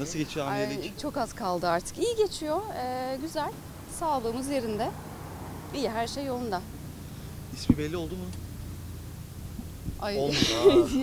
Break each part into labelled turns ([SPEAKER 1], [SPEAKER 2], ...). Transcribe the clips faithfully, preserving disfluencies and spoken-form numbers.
[SPEAKER 1] Nasıl geçiyor
[SPEAKER 2] Ay,
[SPEAKER 1] hamilelik?
[SPEAKER 2] çok az kaldı artık. İyi geçiyor, ee, güzel. Sağlığımız yerinde. İyi, her şey yolunda.
[SPEAKER 1] İsmi belli oldu mu?
[SPEAKER 2] Ay.
[SPEAKER 1] Olmuş.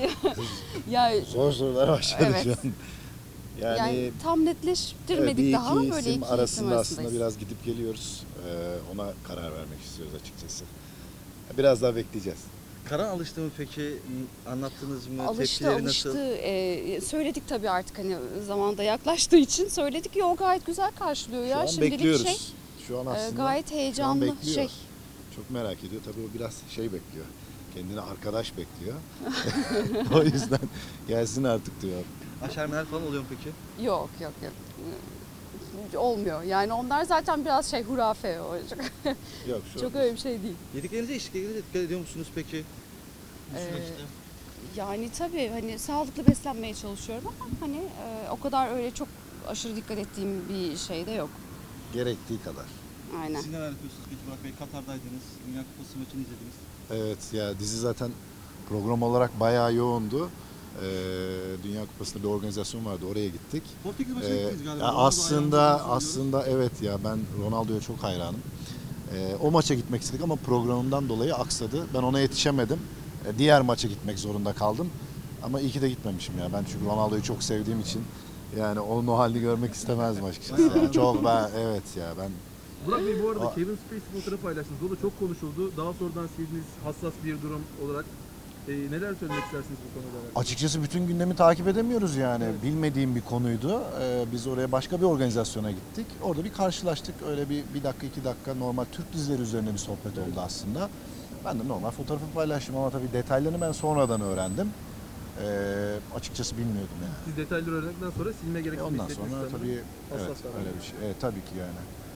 [SPEAKER 2] ya
[SPEAKER 3] Zor sorular başladı
[SPEAKER 2] Evet.
[SPEAKER 3] şu an. Yani,
[SPEAKER 2] yani tam
[SPEAKER 3] evet,
[SPEAKER 2] netleştirmedik
[SPEAKER 3] bir
[SPEAKER 2] daha.
[SPEAKER 3] iki
[SPEAKER 2] Böyle
[SPEAKER 3] isim
[SPEAKER 2] iki isim
[SPEAKER 3] arasında aslında
[SPEAKER 2] arasındayız.
[SPEAKER 3] biraz gidip geliyoruz. Ee, ona karar vermek istiyoruz açıkçası. Biraz daha bekleyeceğiz.
[SPEAKER 1] Karan alıştı mı peki? M- Anlattınız mı?
[SPEAKER 2] Alıştı
[SPEAKER 1] Tepkileri
[SPEAKER 2] alıştı.
[SPEAKER 1] nasıl?
[SPEAKER 2] Ee, söyledik tabii artık hani zamanda yaklaştığı için söyledik. Yok, gayet güzel karşılıyor
[SPEAKER 3] Şu
[SPEAKER 2] ya.
[SPEAKER 3] an
[SPEAKER 2] Şimdilik
[SPEAKER 3] bekliyoruz.
[SPEAKER 2] şey
[SPEAKER 3] Şu an
[SPEAKER 2] e,
[SPEAKER 3] aslında
[SPEAKER 2] gayet
[SPEAKER 3] şu an
[SPEAKER 2] heyecanlı
[SPEAKER 3] bekliyor.
[SPEAKER 2] şey.
[SPEAKER 3] Çok merak ediyor. Tabii o biraz şey bekliyor. Kendine arkadaş bekliyor. O yüzden gelsin artık diyor.
[SPEAKER 1] Aşermeler falan oluyor mu peki?
[SPEAKER 2] Yok yok yok. Olmuyor. Yani onlar zaten biraz şey hurafe. O.
[SPEAKER 3] Yok şu
[SPEAKER 2] Çok
[SPEAKER 3] an.
[SPEAKER 2] öyle bir şey değil.
[SPEAKER 1] Yediklerinize içtiklerinize dikkat ediyor musunuz peki? Bu
[SPEAKER 2] Ee,
[SPEAKER 1] süreçte.
[SPEAKER 2] Yani tabii hani sağlıklı beslenmeye çalışıyorum ama hani e, o kadar öyle çok aşırı dikkat ettiğim bir şey de yok.
[SPEAKER 3] Gerektiği kadar.
[SPEAKER 2] Aynen.
[SPEAKER 1] Siz neler yapıyorsunuz peki Burak Bey? Katar'daydınız. Dünya Kupası maçını izlediniz.
[SPEAKER 3] Evet ya, dizi zaten program olarak bayağı yoğundu. Ee, Dünya Kupası'nda bir organizasyon vardı, oraya gittik.
[SPEAKER 1] Portekiz maçına
[SPEAKER 3] Ee,
[SPEAKER 1] gittiniz galiba.
[SPEAKER 3] ya
[SPEAKER 1] Ronaldo
[SPEAKER 3] aslında
[SPEAKER 1] hayranı olduğunuzu
[SPEAKER 3] aslında evet ya, ben Ronaldo'ya çok hayranım. Ee, o maça gitmek istedik ama programımdan dolayı aksadı. Ben ona yetişemedim. Ee, diğer maça gitmek zorunda kaldım. Ama iyi ki de gitmemişim ya. Ben çünkü Ronaldo'yu çok sevdiğim için yani onun o halini görmek istemezdim açıkçası. Yani çok ben evet ya ben
[SPEAKER 4] Burak Bey, bu arada
[SPEAKER 3] Aa.
[SPEAKER 4] Kevin Spacey fotoğrafı paylaştınız. O da çok konuşuldu. Daha sonradan sildiniz, hassas bir durum olarak. Ee, neler söylemek istersiniz bu konuda alakalı?
[SPEAKER 3] açıkçası bütün gündemi takip edemiyoruz yani. Bilmediğim bir konuydu. Ee, biz oraya başka bir organizasyona gittik. Orada bir karşılaştık. Öyle bir, bir dakika iki dakika normal Türk dizileri üzerine bir sohbet oldu aslında. Ben de normal fotoğrafı paylaştım ama tabii detaylarını ben sonradan öğrendim. Ee, açıkçası bilmiyordum yani.
[SPEAKER 4] Siz detayları öğrendikten sonra silme
[SPEAKER 3] E
[SPEAKER 4] gerektiğini
[SPEAKER 3] ondan
[SPEAKER 4] hissettiniz
[SPEAKER 3] sonra
[SPEAKER 4] sanırım.
[SPEAKER 3] tabii
[SPEAKER 4] Hassas
[SPEAKER 3] evet
[SPEAKER 4] davranış.
[SPEAKER 3] öyle bir şey. Evet tabii ki yani.